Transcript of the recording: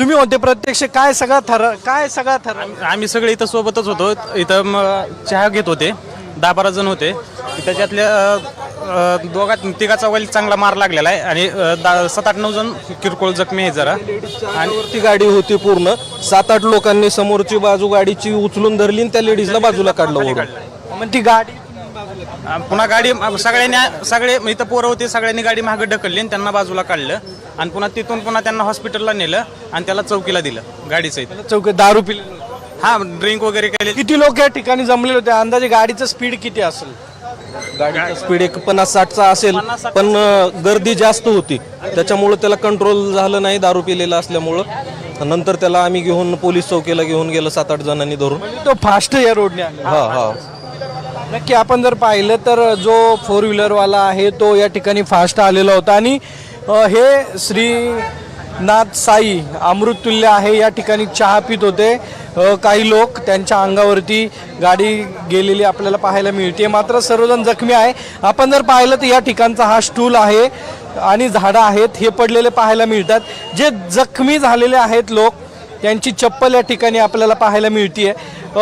तुम्ही होते प्रत्यक्ष, काय सगळा थर आम्ही सगळे इथं सोबतच होतो. इथं चहा घेत होते, 10-12 जण होते. त्याच्यातल्या दोघा तिघाचा वैल चांगला मार लागलेला आहे आणि 7-8-9 जण किरकोळ जखमी आहे जरा. आणि वरती गाडी होती पूर्ण, 7-8 लोकांनी समोरची बाजू गाडीची उचलून धरली आणि त्या लेडीजला बाजूला काढलं वरून. मग ती गाडी पुन्हा गाडी सगळे इथं पोरं होते, सगळ्यांनी गाडी मागे ढकलली आणि त्यांना बाजूला काढलं आणि पुन्हा तिथून त्यांना हॉस्पिटलला नेलं आणि त्याला चौकीला दिलं गाडीचं. चौक दारू पिले, हा ड्रिंक वगैरे केले. किती लोक या ठिकाणी जमलेले होते? अंदाजे गाडीचं स्पीड किती असेल? गाडीचा स्पीड 50-60चा असेल, पण गर्दी जास्त होती त्याच्यामुळं त्याला कंट्रोल झालं नाही दारू पिलेला असल्यामुळं. नंतर त्याला आम्ही घेऊन पोलीस चौकीला घेऊन गेलो 7-8 जणांनी धरून. तो फास्ट या रोडने आला. हा हा नक्की आपण जर पाहिलं तर जो 4 व्हीलरवाला आहे तो या ठिकाणी फास्ट आलेला होता आणि हे श्रीनाथ साई अमृततुल्य आहे. या ठिकाणी चहा पित होते. काही लोक त्यांच्या अंगावरती गाडी गेलेली आपल्याला पाहायला मिळते, मात्र सर्वजण जखमी आहे. आपण जर पाहिलं तर या ठिकाणचा हा स्टूल आहे आणि झाडं आहेत हे पडलेले पाहायला मिळतात. जे जखमी झालेले आहेत लोक, त्यांची चप्पल या ठिकाणी आपल्याला पाहायला मिळते.